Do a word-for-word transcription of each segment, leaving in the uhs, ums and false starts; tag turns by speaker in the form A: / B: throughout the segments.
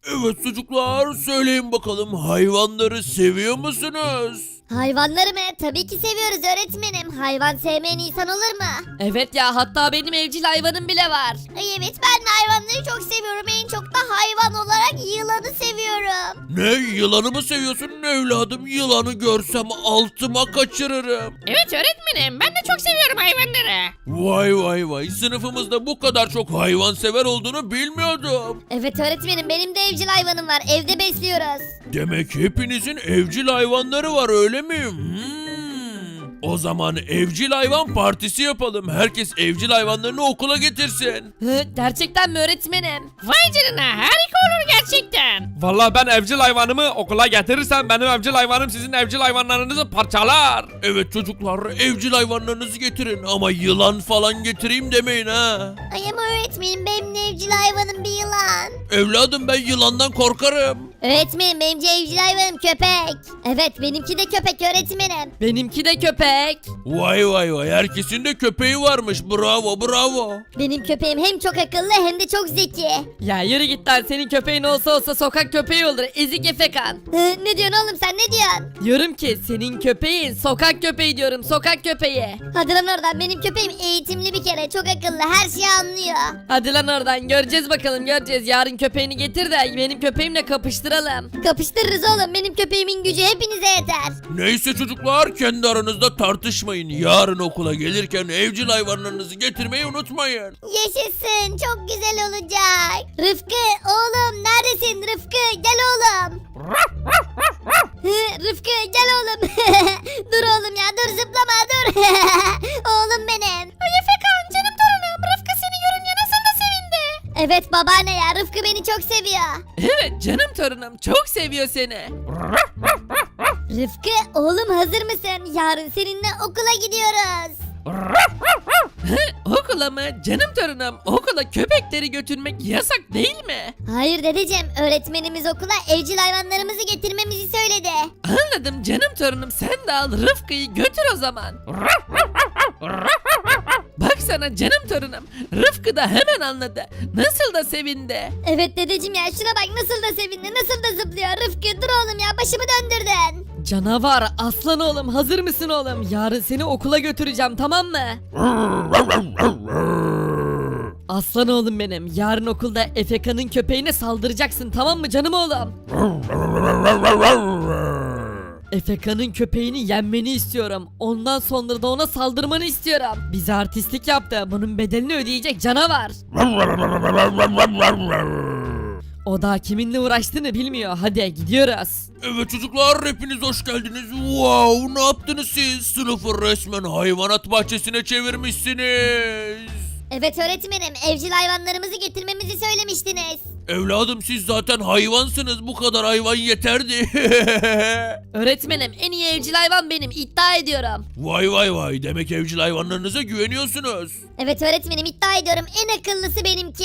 A: Evet çocuklar, söyleyin bakalım, hayvanları seviyor musunuz?
B: Hayvanları mı? Tabii ki seviyoruz öğretmenim. Hayvan sevmeyen insan olur mu?
C: Evet ya, hatta benim evcil hayvanım bile var.
B: Ay evet, ben de hayvanları çok seviyorum. En çok da hayvan olarak yılanı seviyorum.
A: Ne, yılanı mı seviyorsun evladım? Yılanı görsem altıma kaçırırım.
D: Evet öğretmenim, ben de çok seviyorum hayvanları.
A: Vay vay vay, sınıfımızda bu kadar çok hayvan sever olduğunu bilmiyordum.
B: Evet öğretmenim, benim de evcil hayvanım var. Evde besliyoruz.
A: Demek hepinizin evcil hayvanları var, öyle mi? Hmm. O zaman evcil hayvan partisi yapalım. Herkes evcil hayvanlarını okula getirsin.
C: Hı, gerçekten mi öğretmenim?
D: Vay canına, harika olur gerçekten.
E: Vallahi ben evcil hayvanımı okula getirirsem benim evcil hayvanım sizin evcil hayvanlarınızı parçalar.
A: Evet çocuklar, evcil hayvanlarınızı getirin ama yılan falan getireyim demeyin ha.
B: Ay ama öğretmenim, benim de evcil hayvanım bir yılan.
A: Evladım, ben yılandan korkarım.
B: Öğretmenim, benim de evcil hayvanım köpek. Evet, benimki de köpek öğretmenim.
C: Benimki de köpek.
A: Vay vay vay, herkesin de köpeği varmış, bravo bravo.
B: Benim köpeğim hem çok akıllı hem de çok zeki.
C: Ya yürü git lan, senin köpeğin olsa olsa sokak köpeği olur, ezik efekan.
B: Hı, ne diyorsun oğlum, sen ne diyorsun?
C: Diyorum ki senin köpeğin sokak köpeği diyorum, sokak köpeği.
B: Hadi lan oradan, benim köpeğim eğitimli bir kere, çok akıllı, her şeyi anlıyor.
C: Hadi lan oradan, göreceğiz bakalım göreceğiz. Yarın köpeğini getir de benim köpeğimle kapıştıralım.
B: Kapıştırırız oğlum, benim köpeğimin gücü hepinize yeter.
A: Neyse çocuklar, kendi aranızda tartışmayın. Yarın okula gelirken evcil hayvanlarınızı getirmeyi unutmayın.
B: Yaşasın, çok güzel olacak. Rıfkı oğlum, neredesin Rıfkı, gel oğlum. Hı, Rıfkı gel oğlum. Dur oğlum ya, dur zıplama dur. Oğlum benim.
D: Ay Efekan, canım torunum, Rıfkı seni görünce nasıl da sevindi.
B: Evet babaanne ya, Rıfkı beni çok seviyor.
C: Evet canım torunum, çok seviyor seni.
B: Rıfkı oğlum, hazır mısın? Yarın seninle okula gidiyoruz.
C: Okula mı? Canım torunum, okula köpekleri götürmek yasak değil mi?
B: Hayır dedeciğim, öğretmenimiz okula evcil hayvanlarımızı getirmemizi söyledi.
C: Anladım canım torunum, sen de al Rıfkı'yı götür o zaman. Bak sana canım torunum, Rıfkı da hemen anladı. Nasıl da sevindi.
B: Evet dedeciğim ya, şuna bak nasıl da sevindi, nasıl da zıplıyor. Rıfkı dur oğlum ya, başımı döndürdün.
C: Canavar, aslan oğlum, hazır mısın oğlum? Yarın seni okula götüreceğim, tamam mı? Aslan oğlum benim, yarın okulda Efeka'nın köpeğine saldıracaksın, tamam mı canım oğlum? Efeka'nın köpeğini yenmeni istiyorum. Ondan sonra da ona saldırmanı istiyorum. Bize artistlik yaptı. Bunun bedelini ödeyecek canavar. O da kiminle uğraştığını bilmiyor. Hadi gidiyoruz.
A: Evet çocuklar, hepiniz hoş geldiniz. Wow, ne yaptınız siz? Sınıfı resmen hayvanat bahçesine çevirmişsiniz.
B: Evet öğretmenim, evcil hayvanlarımızı getirmemizi söylemiştiniz.
A: Evladım, siz zaten hayvansınız, bu kadar hayvan yeterdi.
C: Öğretmenim, en iyi evcil hayvan benim, iddia ediyorum.
A: Vay vay vay, demek evcil hayvanlarınıza güveniyorsunuz.
B: Evet öğretmenim, iddia ediyorum, en akıllısı benimki.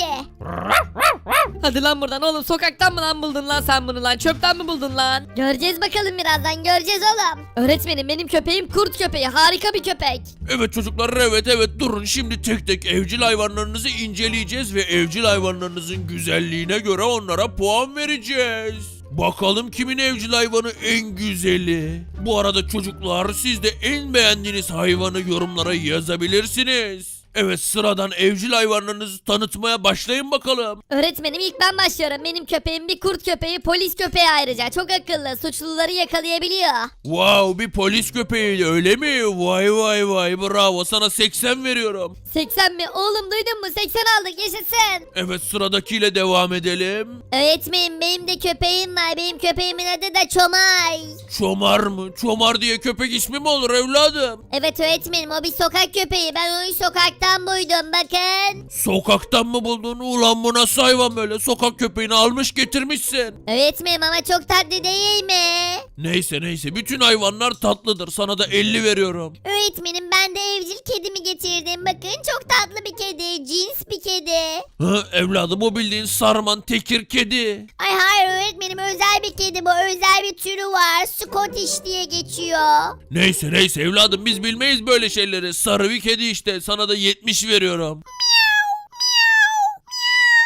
C: Hadi lan buradan oğlum, sokaktan mı lan buldun lan sen bunu lan, çöpten mi buldun lan?
B: Göreceğiz bakalım, birazdan göreceğiz oğlum.
C: Öğretmenim, benim köpeğim kurt köpeği, harika bir köpek.
A: Evet çocuklar, evet evet, durun, şimdi tek tek evcil hayvanlarınızı inceleyeceğiz ve evcil hayvanlarınızın güzelliğine göre onlara puan vereceğiz. Bakalım kimin evcil hayvanı en güzeli. Bu arada çocuklar, siz de en beğendiğiniz hayvanı yorumlara yazabilirsiniz. Evet, sıradan evcil hayvanlarınızı tanıtmaya başlayın bakalım.
B: Öğretmenim, ilk ben başlıyorum. Benim köpeğim bir kurt köpeği, polis köpeği ayrıca. Çok akıllı, suçluları yakalayabiliyor.
A: Wow, bir polis köpeği öyle mi? Vay vay vay, bravo, sana seksen veriyorum.
B: seksen mi? Oğlum duydun mu? seksen aldık, yaşasın.
A: Evet, sıradakiyle devam edelim.
B: Öğretmenim, benim de köpeğim var. Benim köpeğimin adı da Çomay.
A: Çomar mı? Çomar diye köpek ismi mi olur evladım?
B: Evet öğretmenim, o bir sokak köpeği. Ben onu sokaktan buydum, bakın.
A: Sokaktan mı buldun? Ulan bu nasıl hayvan böyle? Sokak köpeğini almış getirmişsin.
B: Öğretmenim ama çok tatlı değil mi?
A: Neyse neyse, bütün hayvanlar tatlıdır. Sana da elli veriyorum.
B: Öğretmenim, ben de evcil kedimi getirdim. Bakın, çok tatlı bir kedi. Cins bir kedi.
A: Hı, evladım, o bildiğin sarman tekir kedi.
B: Ay hayır öğretmenim, özel bir kedi bu. Özel bir türü var. Scottish diye geçiyor.
A: Neyse neyse evladım, biz bilmeyiz böyle şeyleri. Sarı bir kedi işte. Sana da yetmiş veriyorum.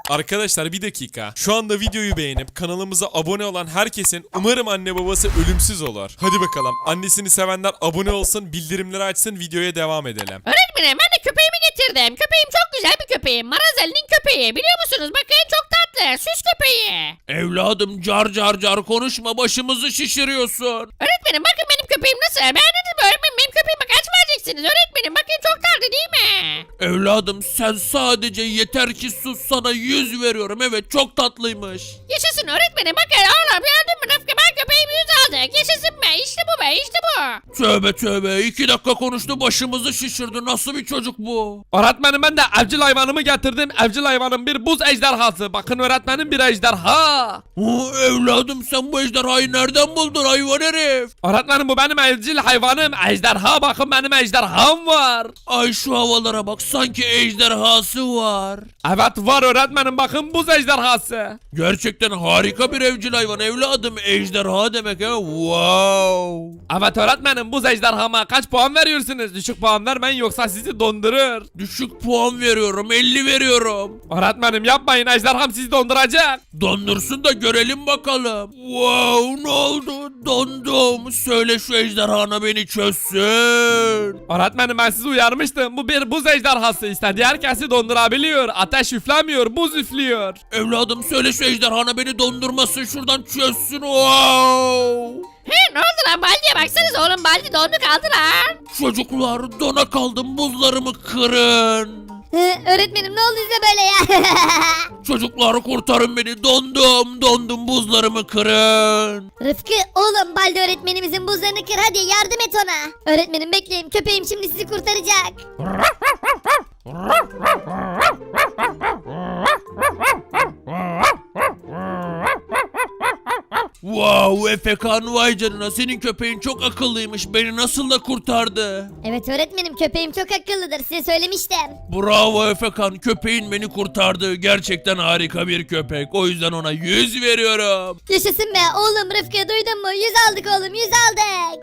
F: Arkadaşlar bir dakika. Şu anda videoyu beğenip kanalımıza abone olan herkesin umarım anne babası ölümsüz olur. Hadi bakalım. Annesini sevenler abone olsun, bildirimleri açsın, videoya devam edelim.
D: Öğretmenim ben de köpeğimi getirdim. Köpeğim çok güzel bir köpeğim. Marazeli'nin köpeği. Biliyor musunuz? Bakın çok tatlı. Süs köpeği.
A: Evladım car car car konuşma, başımızı şişiriyorsun.
D: Öğretmenim bakın benim köpeğim nasıl? Beğendiniz mi öğretmenim? Benim köpeğime kaç vereceksiniz? Öğretmenim bakın çok tatlı değil mi?
A: Evladım sen sadece yeter ki sus, sana yüz veriyorum. Evet çok tatlıymış.
D: Yaşasın öğretmenim. Bakın oğlum gördün mü Rıfkı? Ben köpeğimi yüz aldık. Yaşasın be. İşte bu be. İşte bu.
A: Tövbe tövbe, iki dakika konuştu başımızı şişirdi. Nasıl bir çocuk bu?
E: Öğretmenim ben de evcil hayvanımı getirdim. Evcil hayvanım bir buz ejderhası. Bakın öğretmenim bir ejderha.
A: Oo, evladım sen bu ejderhayı nereden buldun hayvan herif?
E: Öğretmenim bu benim evcil hayvanım. Ejderha bakın benim ejderham var.
A: Ay şu havalara bak, sanki ejderhası var.
E: Evet var öğretmenim bakın buz ejderhası.
A: Gerçekten harika bir evcil hayvan evladım. Ejderha demek ha. Wow.
E: Evet öğretmenim buz ejderhama kaç puan veriyorsunuz? Düşük puan vermeyin yoksa sizi dondurur.
A: Düşük puan veriyorum, elli veriyorum.
E: Öğretmenim yapmayın ejderham sizi donduracak.
A: Dondursun da görelim bakalım. Wow, ne oldu? Dondum. Söyle şu ejderhana beni çözsün.
E: Öğretmenim ben sizi uyarmıştım. Bu bir buz ejderhası. İstediği herkesi dondurabiliyor. Ateş üflemiyor, buz üflüyor.
A: Evladım söyle şu ejderhana beni dondurmasın, şuradan çözsün. Wow.
D: He ne oldu lan Baldi'ye baksanıza oğlum Baldi dondu kaldı lan.
A: Çocuklar dona kaldım, buzlarımı kırın.
B: Hı, öğretmenim ne oldu size böyle ya?
A: Çocuklar kurtarın beni, dondum dondum, buzlarımı kırın.
B: Rıfkı oğlum Baldi öğretmenimizin buzlarını kır, hadi yardım et ona. Öğretmenim bekleyin, köpeğim şimdi sizi kurtaracak.
A: Wow Efekan, vay canına, senin köpeğin çok akıllıymış, beni nasıl da kurtardı.
B: Evet öğretmenim, köpeğim çok akıllıdır, size söylemiştim.
A: Bravo Efekan, köpeğin beni kurtardı, gerçekten harika bir köpek, o yüzden ona yüz veriyorum.
B: Yaşasın be oğlum, Rıfkı duydun mu? Yüz aldık oğlum, yüz aldık.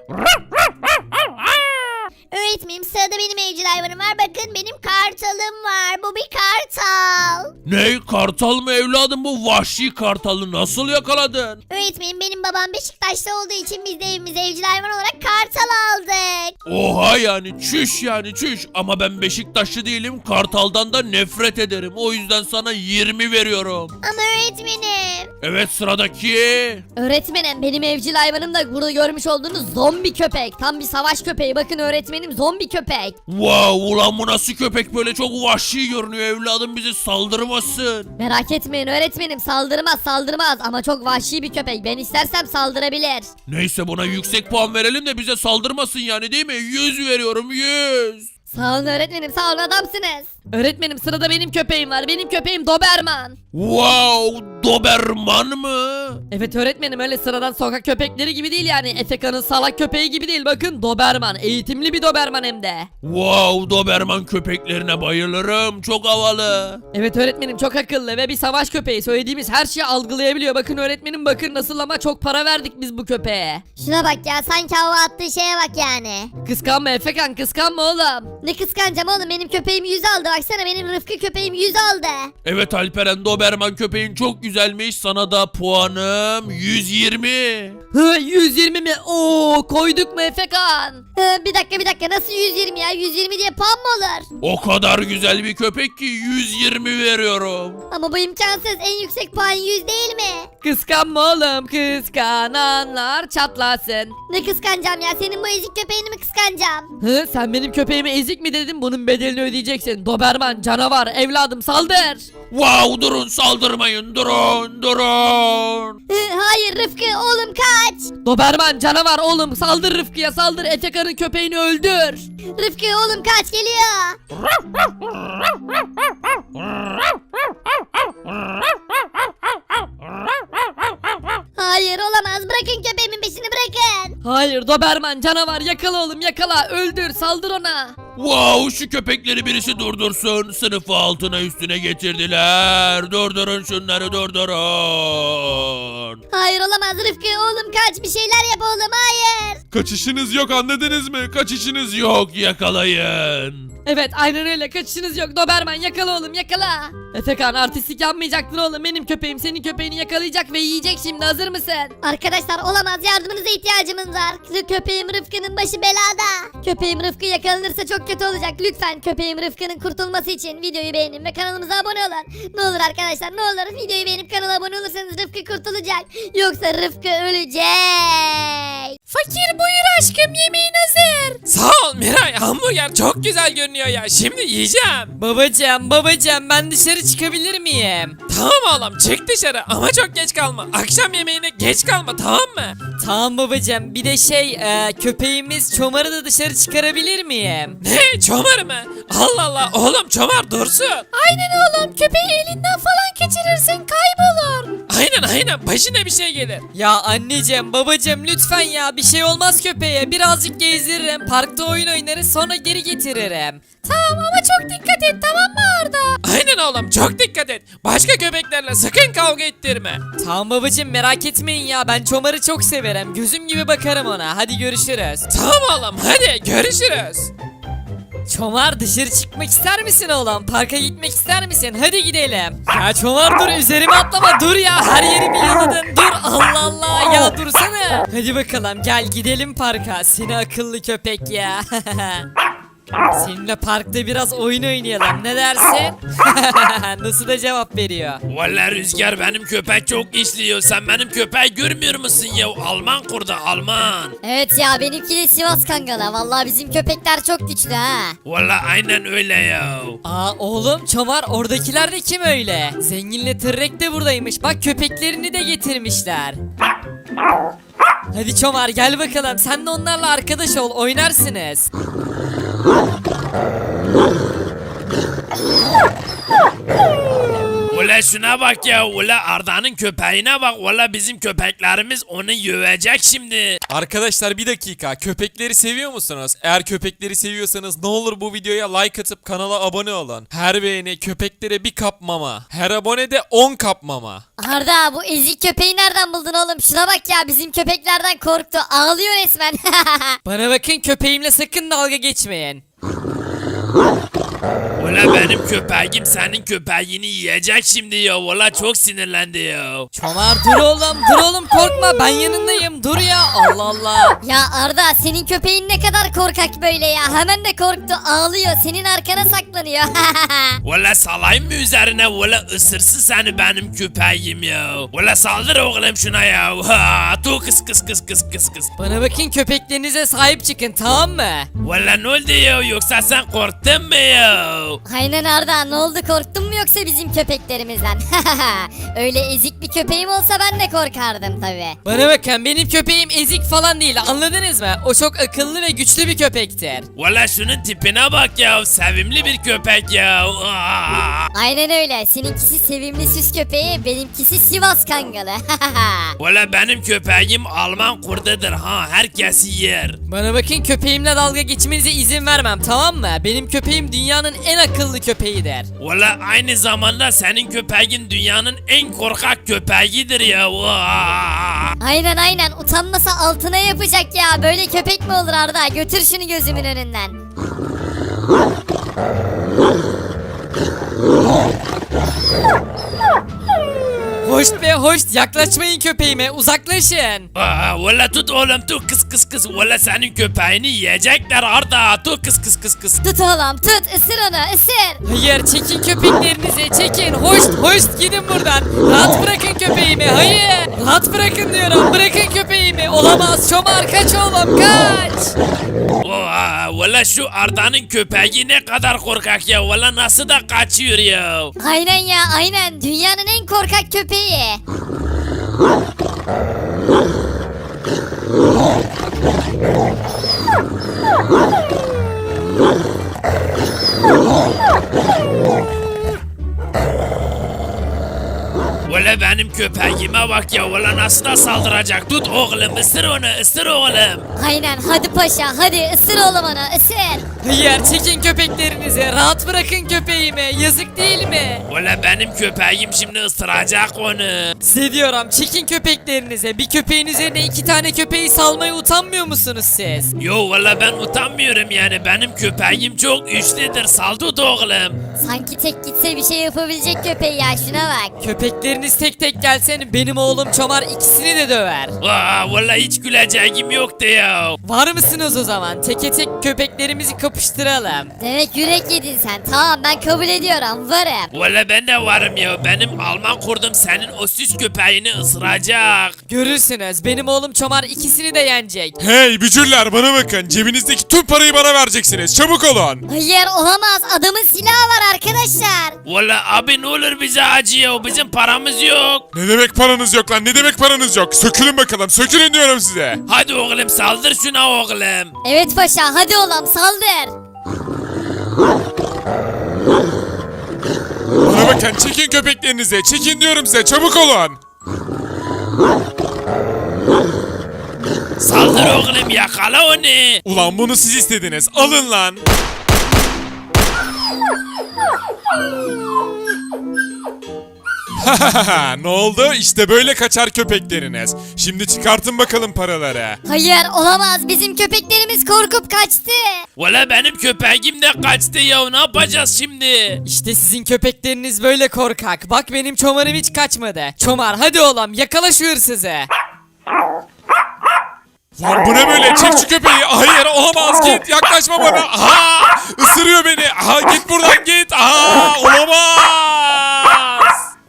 B: Öğretmenim sırada benim evcil hayvanım var, bakın benim kartalım var, bu bir kartal.
A: Ne, kartal mı evladım, bu vahşi kartalı nasıl yakaladın?
B: Öğretmenim benim babam Beşiktaş'ta olduğu için biz de evimize evcil hayvan olarak kartal aldık.
A: Oha, yani çüş, yani çüş, ama ben Beşiktaşlı değilim, kartaldan da nefret ederim, o yüzden sana yirmi veriyorum.
B: Ama öğretmenim.
A: Evet sıradaki.
C: Öğretmenim benim evcil hayvanım da burada görmüş olduğunuz zombi köpek. Tam bir savaş köpeği. Bakın öğretmenim zombi köpek.
A: Wow, ulan bu nasıl köpek böyle, çok vahşi görünüyor, evladım bizi saldırmasın.
C: Merak etmeyin öğretmenim saldırmaz saldırmaz ama çok vahşi bir köpek. Ben istersem saldırabilir.
A: Neyse buna yüksek puan verelim de bize saldırmasın yani, değil mi? yüz veriyorum, yüz.
C: Sağ olun öğretmenim sağ olun adamsınız. Öğretmenim sırada benim köpeğim var. Benim köpeğim Doberman.
A: Wow, Doberman mı?
C: Evet öğretmenim öyle sıradan sokak köpekleri gibi değil yani. Efeka'nın salak köpeği gibi değil. Bakın Doberman. Eğitimli bir Doberman hem de.
A: Wow, Doberman köpeklerine bayılırım, çok havalı.
C: Evet öğretmenim çok akıllı ve bir savaş köpeği. Söylediğimiz her şeyi algılayabiliyor. Bakın öğretmenim bakın nasıl ama çok para verdik biz bu köpeğe.
B: Şuna bak ya, sanki hava attığı şeye bak yani.
C: Kıskanma Efekan kıskanma oğlum.
B: Ne kıskanacağım oğlum, benim köpeğim yüz aldı, baksana benim Rıfkı köpeğim yüz aldı.
A: Evet Alperen, Doberman köpeğin çok güzelmiş, sana da puanım yüz yirmi.
C: Hı, yüz yirmi mi? Oo koyduk mu Efekan?
B: Hı, bir dakika bir dakika, nasıl yüz yirmi ya, yüz yirmi diye puan mı olur?
A: O kadar güzel bir köpek ki yüz yirmi veriyorum.
B: Ama bu imkansız, en yüksek puan yüz değil mi?
C: Kıskanma oğlum kıskananlar çatlasın.
B: Ne kıskanacağım ya, senin bu ezik köpeğini mi kıskanacağım?
C: Hı, sen benim köpeğime ezik mi dedin? Bunun bedelini ödeyeceksin. Doberman canavar evladım saldır.
A: Wow, durun, saldırmayın, durun durun.
B: Hı, hayır Rıfkı oğlum kaç.
C: Doberman canavar oğlum saldır Rıfkı'ya saldır. Efekan'ın köpeğini öldür.
B: Rıfkı oğlum kaç, geliyor. Hayır olamaz, bırakın köpeğimin peşini, bırakın.
C: Hayır Doberman canavar yakala oğlum yakala öldür saldır ona.
A: Wow, şu köpekleri birisi durdursun. Sınıfı altına üstüne getirdiler. Durdurun şunları, durdurun.
B: Hayır olamaz Rıfkı oğlum kaç, bir şeyler yap oğlum, hayır.
F: Kaçışınız yok, anladınız mı? Kaçışınız yok.
A: Yok, yakalayın.
C: Evet aynen öyle, kaçışınız yok. Doberman yakala oğlum, yakala. Efekan, artistlik yapmayacaktın oğlum. Benim köpeğim senin köpeğini yakalayacak ve yiyecek şimdi. Hazır mısın?
B: Arkadaşlar olamaz, yardımınıza ihtiyacımız var. Köpeğim Rıfkı'nın başı belada. Köpeğim Rıfkı yakalanırsa çok kötü olacak. Lütfen köpeğim Rıfkı'nın kurtulması için videoyu beğenin ve kanalımıza abone olun. Ne olur arkadaşlar, ne olur videoyu beğenip kanala abone olursanız Rıfkı kurtulacak. Yoksa Rıfkı ölecek.
D: Fakir buyur aşkım, yemeğin hazır.
E: Sağ ol Miray, hamburger çok güzel görünüyor ya, şimdi yiyeceğim.
C: Babacım babacım, ben dışarı çıkabilir miyim?
E: Tamam oğlum, çık dışarı ama çok geç kalma. Akşam yemeğine geç kalma, tamam mı?
C: Tamam babacım, bir de şey e, köpeğimiz Çomar'ı da dışarı çıkarabilir miyim?
E: Ne, çomar mı? Allah Allah, oğlum çomar dursun.
D: Aynen oğlum, köpeği elinden falan geçirirsin kaybolur.
E: Aynen aynen, başına bir şey gelir.
C: Ya anneciğim babacım lütfen ya, bir şey olmaz köpeğe. Birazcık gezdiririm, parkta oyun oynarız, sonra geri getiririm.
D: Tamam ama çok dikkat et, tamam mı Arda?
E: Aynen oğlum, çok dikkat et. Başka köpeklerle sakın kavga ettirme.
C: Tamam babacım, merak etmeyin ya, ben Çomar'ı çok severim. Gözüm gibi bakarım ona. Hadi görüşürüz.
E: Tamam oğlum, hadi görüşürüz.
C: Çomar, dışarı çıkmak ister misin oğlum? Parka gitmek ister misin? Hadi gidelim. Ya Çomar dur, üzerime atlama, dur ya, her yerimi yaladın. Dur, Allah Allah ya, dursana. Hadi bakalım gel gidelim parka, seni akıllı köpek ya. Seninle parkta biraz oyun oynayalım, ne dersin? Nasıl da cevap veriyor?
A: Valla Rüzgar, benim köpek çok işliyor. Sen benim köpeği görmüyor musun ya? Alman kurdu, Alman.
B: Evet ya, benimki de Sivas Kangalı. Vallahi bizim köpekler çok güçlü ha.
A: Valla aynen öyle ya.
C: Aa oğlum Çomar, oradakiler de kim öyle? Zenginle Tırrek de buradaymış, bak köpeklerini de getirmişler. Hadi Çomar gel bakalım, sen de onlarla arkadaş ol, oynarsınız.
A: Ula şuna bak ya, ula Arda'nın köpeğine bak. Valla bizim köpeklerimiz onu yövecek şimdi.
F: Arkadaşlar bir dakika, köpekleri seviyor musunuz? Eğer köpekleri seviyorsanız ne olur bu videoya like atıp kanala abone olun. Her beğeni köpeklere bir kap mama. Her abone de on kap mama.
B: Arda, bu ezik köpeği nereden buldun oğlum? Şuna bak ya, bizim köpeklerden korktu. Ağlıyor resmen.
C: Bana bakın, köpeğimle sakın dalga geçmeyin.
A: Ula benim köpeğim senin köpeğini yiyecek şimdi ya. Valla çok sinirlendi ya.
C: Çomar dur oğlum, dur oğlum, korkma, ben yanındayım, dur ya, Allah Allah.
B: Ya Arda, senin köpeğin ne kadar korkak böyle ya. Hemen de korktu, ağlıyor. Senin arkana saklanıyor.
A: Valla salayım mı üzerine? Valla ısırsın seni benim köpeğim ya. Valla saldır oğlum şuna ya. Ha, tu kıs kıs kıs kıs kıs kıs.
C: Bana bakın, köpeklerinize sahip çıkın, tamam mı?
A: Valla ne oldu ya? Yoksa sen korktun mu ya?
B: Aynen Arda, ne oldu, korktun mu yoksa bizim köpeklerimizden? Öyle ezik bir köpeğim olsa ben de korkardım tabi.
C: Bana bakın, benim köpeğim ezik falan değil, anladınız mı? O çok akıllı ve güçlü bir köpektir.
A: Valla şunun tipine bak ya. Sevimli bir köpek ya. Aa!
B: Aynen öyle, seninkisi sevimli süs köpeği, benimkisi Sivas Kangalı.
A: Valla benim köpeğim Alman kurdudur ha. Herkesi yer.
C: Bana bakın, köpeğimle dalga geçmenize izin vermem, tamam mı? Benim köpeğim dünyanın en akıllı köpeğidir.
A: Valla aynı zamanda senin köpeğin dünyanın en korkak köpeğidir ya. Aa!
B: Aynen aynen, utanmasa altına yapacak ya. Böyle köpek mi olur Arda? Götür şunu gözümün önünden.
C: Hoş be hoş, yaklaşmayın köpeğime, uzaklaşın.
A: Aa, valla tut oğlum, tut kıs kıs kıs. Valla senin köpeğini yiyecekler Arda. Tut kıs kıs kıs kıs.
B: Tut oğlum, tut, ısır onu, ısır.
C: Hayır, çekin köpeklerinizi, çekin. Hoş hoş, gidin buradan. Rahat bırakın köpeğimi, hayır. Rahat bırakın diyorum, bırakın köpeğimi. Olamaz, Çomar kaç oğlum, kaç.
A: Aa, valla şu Arda'nın köpeği ne kadar korkak ya. Valla nasıl da kaçıyor ya.
B: Aynen ya, aynen. Dünyanın en korkak köpeği.
A: Valla Valla benim köpeğime bak ya. Valla nasıl da saldıracak. Tut oğlum, ısır onu, ısır oğlum.
B: Aynen hadi paşa hadi ısır oğlum onu ısır.
C: Hayır çekin köpeklerinizi rahat bırakın köpeğimi yazık değil mi?
A: Valla benim köpeğim şimdi ısıracak onu.
C: Size diyorum çekin köpeklerinize bir köpeğin üzerine iki tane köpeği salmaya utanmıyor musunuz siz?
A: Yo valla ben utanmıyorum yani. Benim köpeğim çok güçlüdür. Sal tut oğlum.
B: Sanki tek gitse bir şey yapabilecek köpeği ya şuna bak.
C: Köpekleriniz tek tek gelsen benim oğlum Çomar ikisini de döver.
A: Aa, valla hiç güleceğim yoktu ya.
C: Var mısınız o zaman? Teke tek köpeklerimizi kapıştıralım.
B: Demek yürek yedin sen tamam ben kabul ediyorum varım.
A: Valla ben de varım ya. Benim Alman kurdum senin o süs köpeğini ısıracak.
C: Görürsünüz benim oğlum Çomar ikisini de yenecek.
F: Hey bücürler bana bakın. Cebinizdeki tüm parayı bana vereceksiniz. Çabuk olun.
B: Hayır olamaz adamın silahı var arkadaşlar.
A: Valla abi ne olur bize acıyor. Bizim paramız yok.
F: Ne demek paranız yok lan? Ne demek paranız yok? Sökülün bakalım. Sökülün diyorum size.
A: Hadi oğlum saldır şuna oğlum.
B: Evet paşa hadi oğlum saldır.
F: Bana bakın çekin köpeklerinizi. Çekin diyorum size. Çabuk olun.
A: Saldır oğlum yakala onu.
F: Ulan bunu siz istediniz. Alın lan. Ne oldu? İşte böyle kaçar köpekleriniz. Şimdi çıkartın bakalım paraları.
B: Hayır olamaz bizim köpeklerimiz korkup kaçtı.
A: Valla benim köpeğim de kaçtı ya. Ne yapacağız şimdi?
C: İşte sizin köpekleriniz böyle korkak. Bak benim Çomar'ım hiç kaçmadı. Çomar hadi oğlum yakala şu hırsızı.
F: Lan bu ne böyle? Çek şu köpeği. Hayır olamaz git. Yaklaşma bana. Aha! Isırıyor beni. Aha git buradan git. Aha! Olamaz.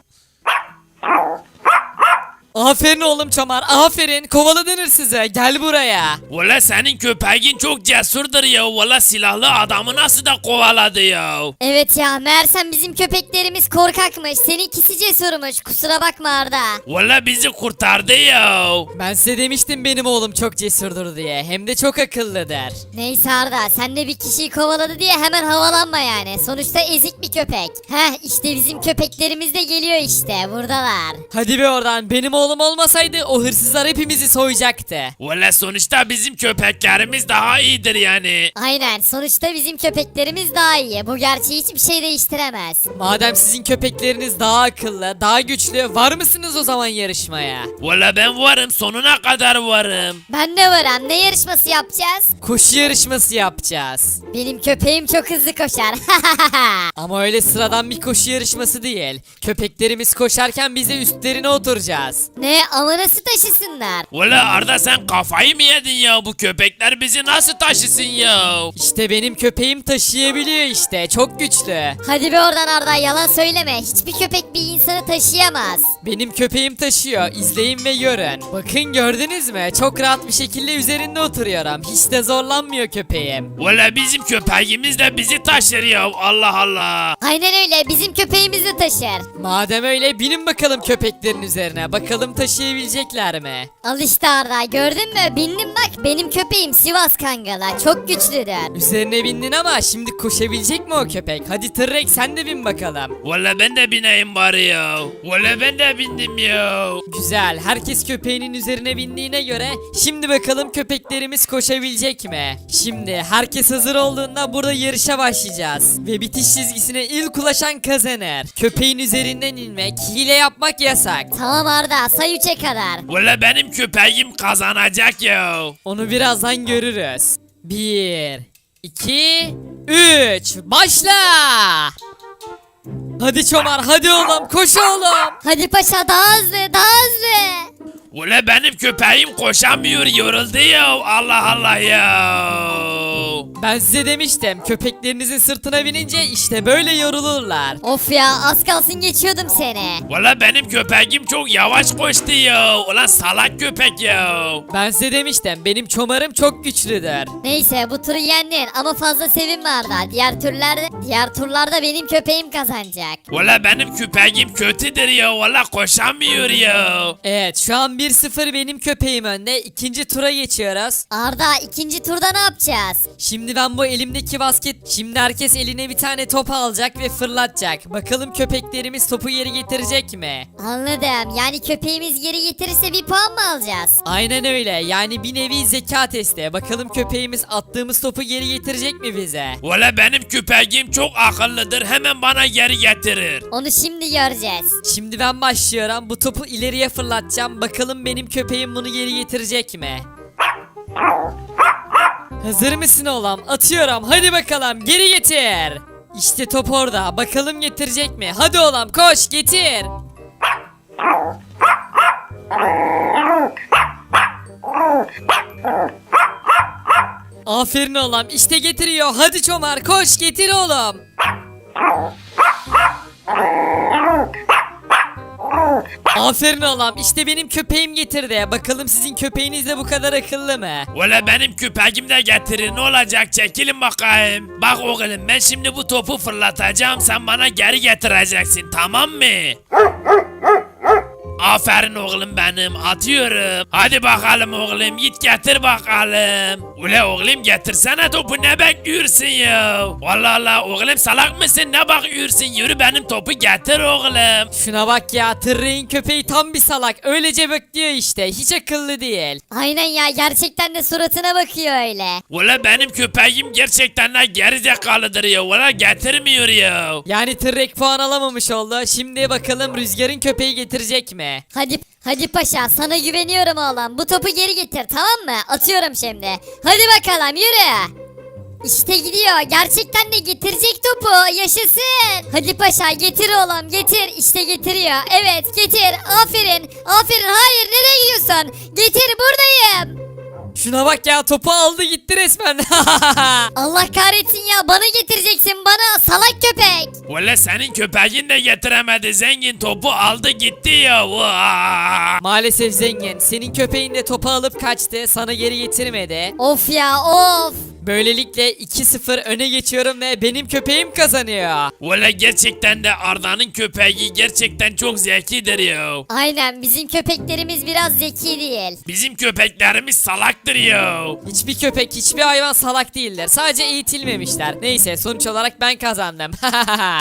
C: Aferin oğlum Çomar aferin kovaladın hırsızı gel buraya.
A: Valla senin köpeğin çok cesurdur ya. Valla silahlı adamı nasıl da kovaladı ya.
B: Evet ya meğersem bizim köpeklerimiz korkakmış. Seninkisi cesurmuş kusura bakma Arda.
A: Valla bizi kurtardı ya.
C: Ben size demiştim benim oğlum çok cesurdur diye hem de çok akıllıdır.
B: Neyse Arda sen de bir kişiyi kovaladı diye hemen havalanma yani. Sonuçta ezik bir köpek. Heh işte bizim köpeklerimiz de geliyor işte buradalar.
C: Hadi be oradan benim oğlum olmasaydı o hırsızlar hepimizi soyacaktı.
A: Valla sonuçta bizim köpeklerimiz daha iyidir yani.
B: Aynen sonuçta bizim köpeklerimiz daha iyi. Bu gerçeği hiçbir şey değiştiremez.
C: Madem sizin köpekleriniz daha akıllı, daha güçlü, var mısınız o zaman yarışmaya?
A: Valla ben varım sonuna kadar varım.
B: Ben de varım ne yarışması yapacağız?
C: Koşu yarışması yapacağız.
B: Benim köpeğim çok hızlı koşar.
C: Ama öyle sıradan bir koşu yarışması değil. Köpeklerimiz koşarken biz de üstlerine oturacağız.
B: Ne ama nasıl taşısınlar?
A: Valla Arda sen kafayı mı yedin ya? Bu köpekler bizi nasıl taşısın ya?
C: İşte benim köpeğim taşıyabiliyor işte, çok güçlü.
B: Hadi be oradan Arda yalan söyleme. Hiçbir köpek bir insanı taşıyamaz.
C: Benim köpeğim taşıyor, izleyin ve görün. Bakın gördünüz mü? Çok rahat bir şekilde üzerinde oturuyorum. Hiç de zorlanmıyor köpeğim.
A: Valla bizim köpeğimiz de bizi taşır ya. Allah Allah.
B: Aynen öyle bizim köpeğimiz de taşır.
C: Madem öyle binin bakalım köpeklerin üzerine. Bakalım taşıyabilecekler mi?
B: Al işte Arda gördün mü? Bindim bak benim köpeğim Sivas Kangalı. Çok güçlüdür.
C: Üzerine bindin ama şimdi koşabilecek mi o köpek? Hadi Tırrek sen de bin bakalım.
A: Valla ben de bineyim bari ya. Valla ben de bindim ya.
C: Güzel. Herkes köpeğinin üzerine bindiğine göre şimdi bakalım köpeklerimiz koşabilecek mi? Şimdi herkes hazır olduğunda burada yarışa başlayacağız. Ve bitiş çizgisine ilk ulaşan kazanır. Köpeğin üzerinden inmek, hile yapmak yasak.
B: Tamam Arda say üçe kadar.
A: Valla benim köpeğim kazanacak ya.
C: Onu birazdan görürüz. Bir, iki, üç. Başla! Hadi Çomar, hadi oğlum, koş oğlum.
B: Hadi paşa daha hızlı daha hızlı.
A: Valla benim köpeğim koşamıyor yoruldu ya. Allah Allah ya.
C: Ben size demiştim, köpeklerinizin sırtına binince işte böyle yorulurlar.
B: Of ya az kalsın geçiyordum seni.
A: Valla benim köpeğim çok yavaş koştu ya. Ulan salak köpek ya.
C: Ben size demiştim, benim Çomar'ım çok güçlüdür.
B: Neyse bu turu yendin ama fazla sevinme Arda. Diğer turlarda, diğer turlarda benim köpeğim kazanacak.
A: Valla benim köpeğim kötüdür ya. Valla koşamıyor ya.
C: Evet, şu an bir sıfır benim köpeğim önde. İkinci tura geçiyoruz.
B: Arda ikinci turda ne yapacağız?
C: Şimdi Şimdi ben bu elimdeki basket, şimdi herkes eline bir tane top alacak ve fırlatacak. Bakalım köpeklerimiz topu geri getirecek mi?
B: Anladım. Yani köpeğimiz geri getirirse bir puan mı alacağız?
C: Aynen öyle. Yani bir nevi zeka testi. Bakalım köpeğimiz attığımız topu geri getirecek mi bize?
A: Valla benim köpeğim çok akıllıdır. Hemen bana geri getirir.
B: Onu şimdi göreceğiz.
C: Şimdi ben başlıyorum. Bu topu ileriye fırlatacağım. Bakalım benim köpeğim bunu geri getirecek mi? Hazır mısın oğlum? Atıyorum. Hadi bakalım geri getir. İşte top orada. Bakalım getirecek mi? Hadi oğlum koş getir. Aferin oğlum. İşte getiriyor. Hadi Çomar koş getir oğlum. Aferin oğlum. İşte benim köpeğim getirdi. Bakalım sizin köpeğiniz de bu kadar akıllı mı?
A: Valla benim köpeğim de getirir. Ne olacak? Çekilin bakayım. Bak oğlum ben şimdi bu topu fırlatacağım. Sen bana geri getireceksin. Tamam mı? Aferin oğlum benim. Atıyorum. Hadi bakalım oğlum. Git getir bakalım. Ula oğlum getirsene topu. Ne bekliyorsun ya? Vallahi Allah oğlum salak mısın? Ne bakıyorsun? Yürü benim topu getir oğlum.
C: Şuna bak ya. Tırrağın köpeği tam bir salak. Öylece bekliyor işte. Hiç akıllı değil.
B: Aynen ya, gerçekten de suratına bakıyor öyle.
A: Valla benim köpeğim gerçekten de gerizekalıdır ya. Valla getirmiyor ya.
C: Yani tırrek puan alamamış oldu. Şimdi bakalım Rüzgar'ın köpeği getirecek mi?
B: Hadi hadi paşa, sana güveniyorum oğlum. Bu topu geri getir, tamam mı? Atıyorum şimdi. Hadi bakalım yürü. İşte gidiyor. Gerçekten de getirecek topu. Yaşasın. Hadi paşa getir oğlum, getir. İşte getiriyor. Evet getir. Aferin. Aferin. Hayır, nereye gidiyorsun? Getir, buradayım.
C: Şuna bak ya, topu aldı gitti resmen.
B: Allah kahretsin ya, bana getireceksin, bana salak köpek.
A: Valla senin köpeğin de getiremedi. Zengin topu aldı gitti ya. Vaa!
C: Maalesef zengin. Senin köpeğin de topu alıp kaçtı. Sana geri getirmedi.
B: Of ya of.
C: Böylelikle iki sıfır öne geçiyorum ve benim köpeğim kazanıyor.
A: Valla gerçekten de Arda'nın köpeği gerçekten çok zekidir ya.
B: Aynen, bizim köpeklerimiz biraz zeki değil.
A: Bizim köpeklerimiz salaktır ya.
C: Hiçbir köpek, hiçbir hayvan salak değildir. Sadece eğitilmemişler. Neyse, sonuç olarak ben kazandım.